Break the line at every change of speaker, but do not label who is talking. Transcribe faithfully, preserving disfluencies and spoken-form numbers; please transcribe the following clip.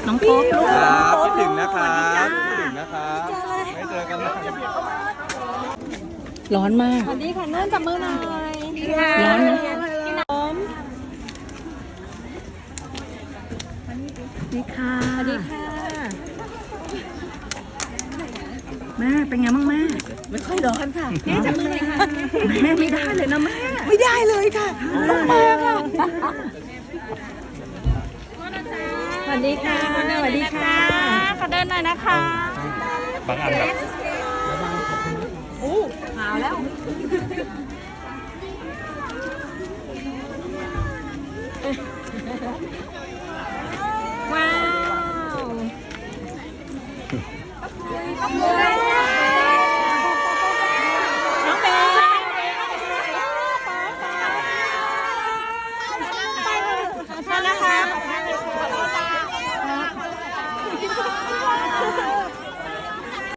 น้องโป๊ปลูก
ครับคิดถึงนะครับคิดถึงนะครับไม่เจอกันนาน
ร้อนมาก
สวัสดีค่ะนุ่นจับมือหน่อย
ร้อนนะ
กินน้ำ
ดีค่ะ
สวัสดีค่ะ
แม่เป็นไงบ้างแม่
ไม่ค่อยร้อนค่ะแม่จับมือหน่อยค่ะ
แม่ไม่ได้เลยนะแม่
ไม่ได้เลยค่ะต้องมาค่ะสวัสดีค่ะสวัสดีค่ะ
ขอเดินหน่อยนะคะ
บางอันแบบ
อู้หาวแล้ว